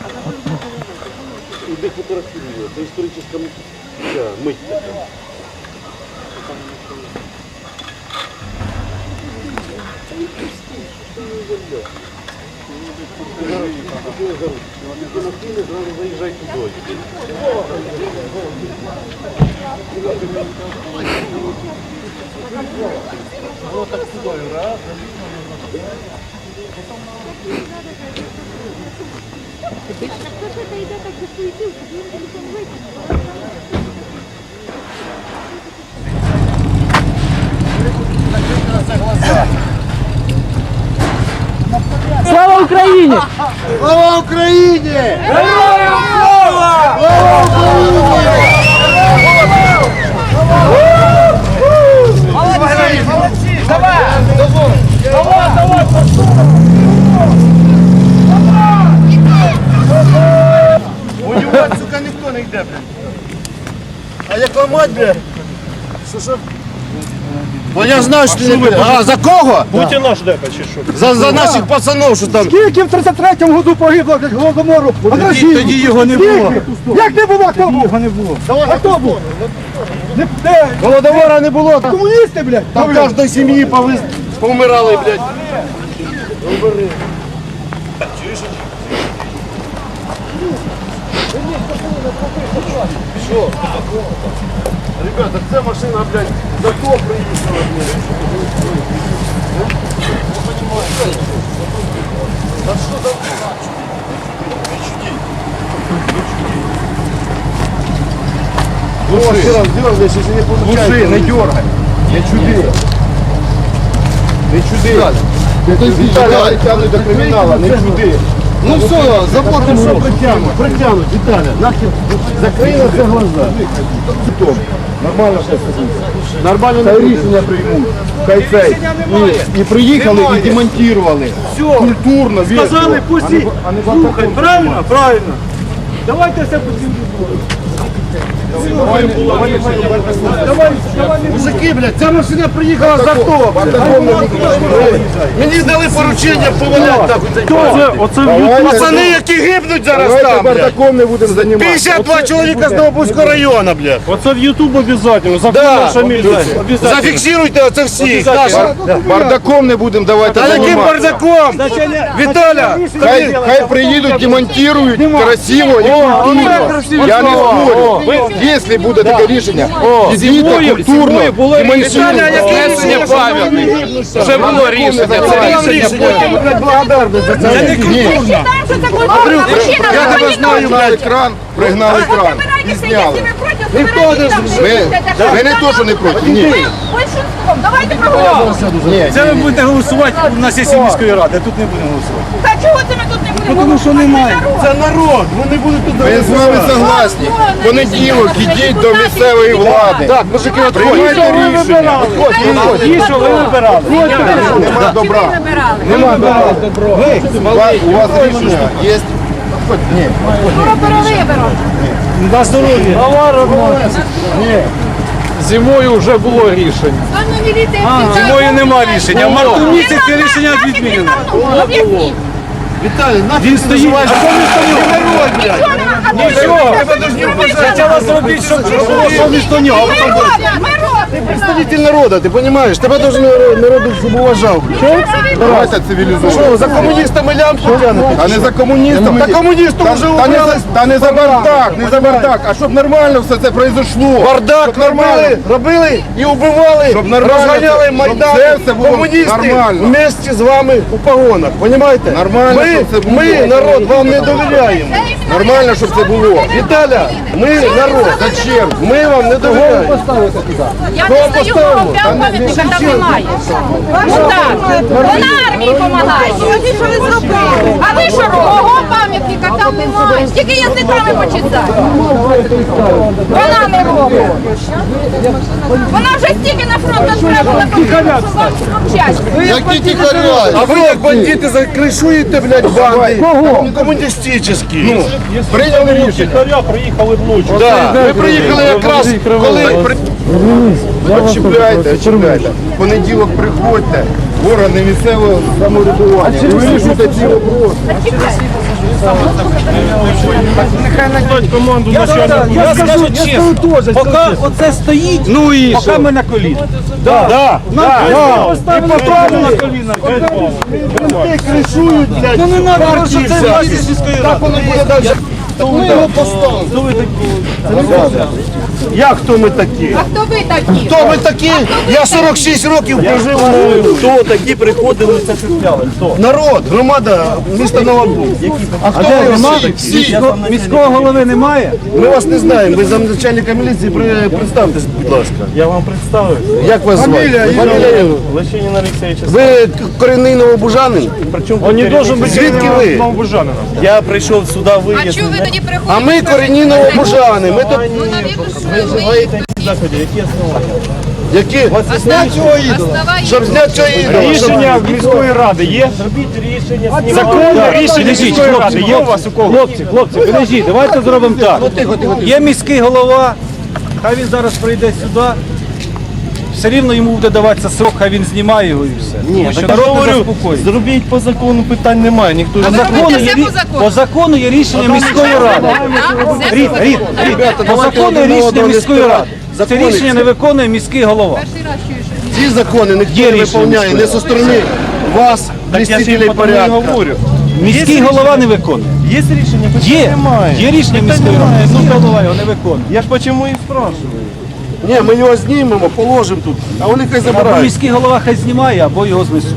Іди фотографіруй його, це історична мить така. Зразу заїжджай туди. Вот так сюди, раз. Хто ж це йде так до суєтів, щоб він телефон викинув? Слава Україні! Слава Україні! Героям слава! Слава Україні! Молодці! Давай! Давай! Воювати, сука, ніхто не йде, блядь. А як ламать, блядь? Що? Бо я знаю, що ти не буде. А, за кого? Путіна ждете чи що? За наших пацанов, що там. Скільки в 33-му году погибло від Голодомору? Тоді його не було. Як не було? Хто був? Його не було. А хто був? Де? Голодомора не було. Комуністи, блядь. Там кожної сім'ї повмирали, блядь. Що? Ребята, ця машина, блядь, за то приїхала, блядь. Да що там? Дергай, если не получается. Слушай, не дергай. Не чуди. Не чуди. Віталя, тягнуть до кримінала, не чуди. Ну все, заплатимо гроші. Притягнуть, Віталя, нахер. Закрий на це глаза. Нормально все сидить. Нормально не рішення приймуть. Хай цей. І приїхали, і демонтували. Культурно, вічно. Сказали, пусті. Слухай, правильно? Правильно. Давайте все пустимо. Мужики, блядь, ця машина приїхала за то. Мені дали поручення поваляти так. Пацани, які гибнуть зараз там, блядь. Бардаком не будемо займатися. 52 чоловіка з Новобузького району, блядь. Оце в Ютуб обов'язково. Да. Наша міліція. Зафіксируйте оце всіх. Бардаком не будемо давати Та яким бардаком? Віталя, Хай приїдуть, демонтують красиво і культурно. Я не спорю. Якщо буде таке рішення, візьміть культурно, Віталя, яке рішення пам'ятник? Вже було рішення. Це рішення потім. Благодарність за це. Ні. Я тебе знаю, блядь. Пригнали кран і зняли. Ви не то, що не проти, ні. Большинством. Давайте проголосуємо. Ні. Це ви будете голосувати на сесії міської ради, тут не будемо голосувати. Та чого це ми тут не будемо? Тому що немає. Це народ, вони будуть тут Ми з вами согласні. В понеділок ідіть до місцевої влади. Так, мужики, Приймайте рішення. Ті, що ви вибирали. Нема добра. Нема добра. У вас рішення є? Ні. Скоро перевибором. На здоров'я. Зимою вже було рішення. Зимою нема рішення. В марті місяці рішення відмінено. Об'ясніть. Віталій, нахуй Він стоїть. А що він стоїть? народ, блядь. Нічого. Спочатку зробіть, щоб було совісно нього. Ми робимо. Представитель народа, ти розумієш? Тебе должен народ щоб уважав, блядь. Давайте цивілізовано. Що, за комуністами лямку тянете? А не за комуністами. Та комуністів вже убрали. Та не за бардак, не за бардак, а щоб нормально все це произошло. Бардак робили і убивали, Щоб нормально розганяли це- Майдан, щоб це все було комуністи нормально. вместе з вами у погонах, розумієте? Нормально, щоб це було. Ми, народ, вам не довіряємо. Нормально, щоб це було. Віталя, ми, народ, Зачем? ми вам не довіряємо. Я не стою прямо пам'ятника, там немає. Ну так, вона армії допомагає. Що ви зробили? А ви що робите? Мого пам'ятника там немає. Тільки язиками почитаю. Вона не робить. Вона вже стільки на фронт відправила, що вам мовчать. Які тихаря? А ви як бандити закришуєте, блядь, банди. Кого? Комуністичні. Ну, Прийняли рішення. Тихаря приїхали вночі. да. Ми приїхали якраз, коли... Чіпляйте. В понеділок приходьте в органи місцевого самоврядування. І вирішуйте ці вопроси. Нехай найдуть команду на що Я скажу чесно, поки оце стоїть, Ну і поки що? ми на коліна. Да. І поставили на коліна. Кришують, блядь, Ну не треба, що партії це всякі. власність сільської Так ради. воно буде далі. Ми його поставили. Як хто ми такі? А хто ви такі? Хто ми такі? Я 46 років прожив. Хто такі приходили, це шукали? Хто? Народ, громада, місто Новобуг. А хто ви всі? Міського голови немає? Ми вас не знаємо. Ви замначальника міліції, представтесь, будь ласка. Я вам представив. Як вас звати? Фамілія? Лещинін Олексійович. Ви корінний новобужанин? Он не должен бути Звідки ви? новобужанином. Я прийшов сюди А виїзд. чого ви тоді приходите? А ми корінні новобужани. Ми тут Ну, навірно, що ви Заходи, які основання? які? Зняти цього ідола. основаєте. Щоб зняти цього ідола. Рішення міської ради є? Зробіть рішення. Законне рішення міської ради є у вас у кого? Хлопці, подожди, давайте зробимо так. Є міський голова, хай він зараз прийде сюди. Все рівно йому буде даватися срок, хай він знімає його і все. Тому що народ не заспокоїться. зробіть по закону, питань немає. Ніхто А ви робите все по закону? По закону є рішення міської ради. Так, все Рід, по Рід, закону. Рід, Ребята, по давайте закону є один рішення одного не міської ради. спирати. Це Закони рішення ці. не виконує міський голова. Перший раз чую, що Ці закони ніхто Є не рішення виконує, не со сторони вас, блюстителей порядку. Міський голова не виконує. Є рішення? Питань Є, немає. є рішення Питань міської ради. немає. Міський голова його не виконує. Я ж почему і спрашиваю. Ні, ми його знімемо, положимо тут, а вони хай Або забирають. міський голова хай знімає, або його знесуть.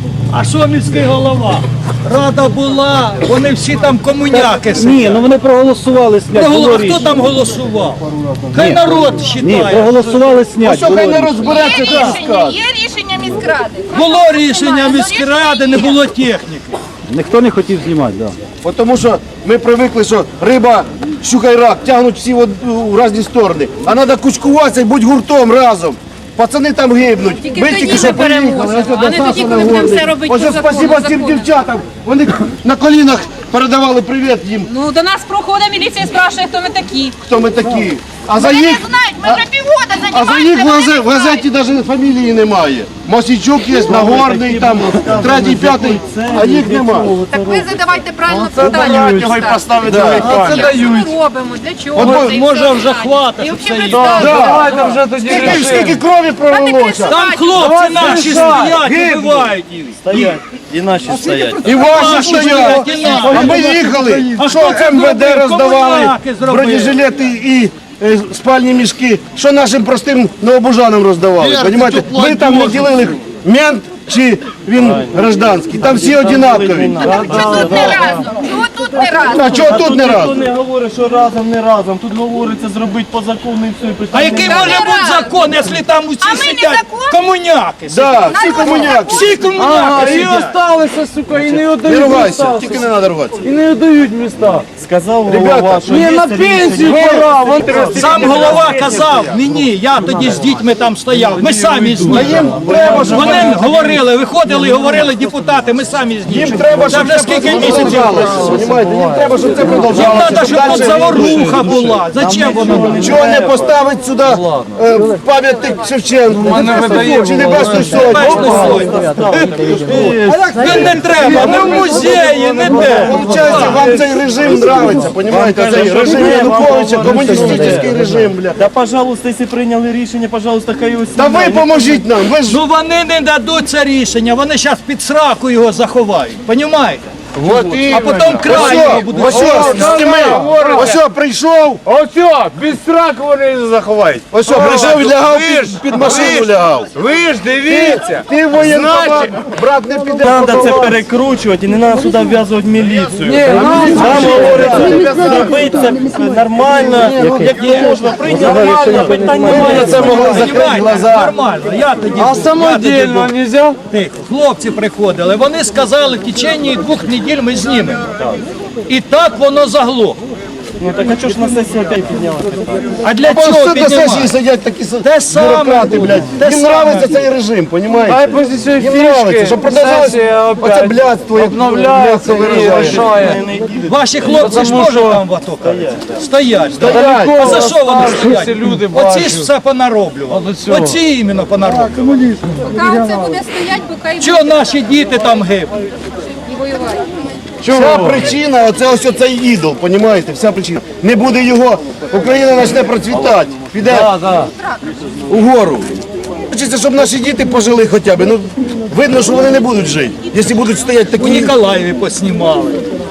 А що міський голова? Рада була, вони всі там комуняки Ні, сидять. ну вони проголосували снять. Було Хто рішення. там голосував? Хай народ Ні, вважає. проголосували снять. Що хай було не рішення. розбереться, Є так рішення, скаже. є рішення міськради. Було рішення міськради, не було техніки. Ніхто не хотів знімати, так. Да. Тому що ми привикли, що риба, щука і рак тягнуть всі в різні сторони. А треба кучкуватися і бути гуртом разом. Пацани там гибнуть. Тільки Ми тоді тільки ми що переможемо, приїхали. Ось а не до тоді, Саші коли будемо Нагорний. все робити Ось по закону, спасибо цим закону. дівчатам. Вони на колінах передавали привіт їм, Ну, до нас проходить міліція, спрашує, хто ми такі. хто ми такі. А за Вони не їх, знають, ми вже півгода а за їх займаємося. в газеті навіть фамілії немає. Мосійчук є, Нагорний, там, третій, п'ятий, а їх немає. Так ви задавайте правильно питання. Його й поставити Да. на екран. Що ми робимо? Для чого? це і Може все вже питання. хватить, І щоб взагалі це представте. Скільки крові пролилося? Там хлопці наші стоять, убивають їх. Стоять. І наші стоять. І ваші стоять. і наші. А ми їхали, А що хто це МВД зробив? роздавали, Комуняки зробили. бронежилети і спальні мішки. Що нашим простим новобужанам роздавали? Понімаєте? Ми там не ділили мент чи він гражданський. Там всі однакові. Так чого тут не разом? Чого тут не разом? А чого тут не Ніхто разом? не говорить, що разом, не разом. Тут говориться зробити по закону і все. і питань А який немає. може бути закон, якщо там А усі ми не сидять закон? комуняки? Да, всі комуняки. Всі комуняки І сидять. осталися, сука, і не Не віддають ругайся, міста. тільки не треба ругатися. І не віддають міста. Сказав Ребята, голова, що Ні, є на рішення. пенсію пора. Сам голова казав мені, я тоді з дітьми там стояв, ми самі з ними. Треба, щоб Вони говорили, виходили і говорили депутати, ми самі з ними. їм треба, Це щоб вже це скільки місяців. продовжалося. Понімаєте? Їм треба, щоб це Їм продовжалося. треба, щоб тут заворуха була. Зачем воно? Чого не поставить сюди пам'ятник Шевченку? Чи Небесної Сотні? Не треба, не в музеї, не де. Получається, вам цей режим нравиться, понімаєте? Цей режим Януковича, комуністичний режим, бля. Да, пожалуйста, якщо прийняли рішення, пожалуйста, хай ось. Та ви поможіть нам, ви ж Ну вони не дадуть це рішення, вони зараз під сраку його заховають, понімаєте? А потім край його будуть. ось прийшов, Оце, без страху вони заховають. ось прийшов і лягав під машину лягав. Ви ж дивіться. Ти воєнкомат, брат, не піде. Треба це перекручувати і не треба сюди вв'язувати міліцію. Нам говорять, зробити це нормально, як можна, прийняти нормально, питань немає. Це могли закрити Понімаєте? глаза. Нормально, я тоді А був, самодільно я тоді нельзя? був. Тихо, хлопці приходили, вони сказали, в течение 2 неділь ми знімемо. І так воно заглохло. Ну так а чого ж на сесії опять підняли? А для Ось чого тут на сесії піднімати? сидять такі Те саме бюрократи, буде, блядь. те Їм саме нравиться буде. цей режим, понімаєте? Хай після цієї Їм нравиться, фішки щоб продовжалося сесія оце опять блядство, як обновляється блядство і виражає. рішає. Ваші хлопці ж можуть там в АТО стоять. Стоять. А за що вони стоять? Всі люди Оці бачать. ж все понароблювали. От цього. Оці іменно понароблювали. Поки це буде стоять, поки і Чого наші діти там гибнуть? воювати. Вся причина, ось оцей ідол, понімаєте, вся причина. Не буде його, Україна почне процвітати, піде угору. Хочеться, щоб наші діти пожили хоча б. Ну, видно, що вони не будуть жити, якщо будуть стояти У такі. Ніколаєві поснімали.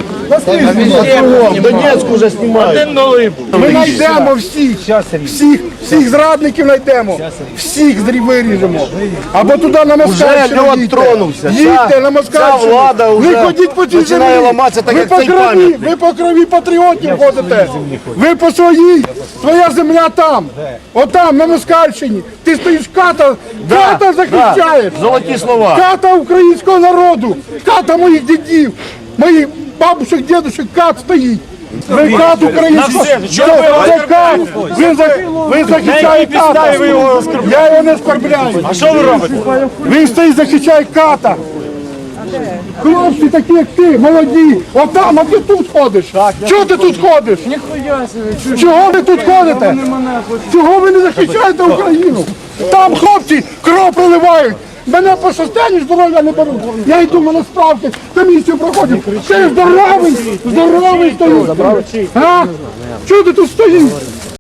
В Донецьку вже знімають. Ми знайдемо всіх зрадників знайдемо, всіх виріжемо. Або туди на Москальщину льот їдьте. тронувся. Їдьте на Ця Москальщину. влада вже Ви ходіть по цій починає землі. ламатися, так Ви як по цей крові, пам'ятник. ви по крові патріотів ходите. Ви по своїй. Твоя земля там. Отам, на Москальщині. Ти стоїш ката захищаєш. Золоті слова. Ката українського народу, ката моїх дідів, моїх бабушек, дідушек, кат стоїть. Ви кат українського. Це кат. Ви захищаєте ката. Я його не оскорбляю. А що ви робите? Він стоїть, захищає ката. Хлопці такі, як ти, молоді. Отам, а ти тут ходиш. Чого ти тут ходиш? Чого ви тут ходите? Чого ви не захищаєте Україну? Там хлопці кров проливають. Мене по состоянню здоров'я не беруть. Я йду, мене справки, комісію проходять. Ти здоровий стою. А? Чого ти тут стоїш?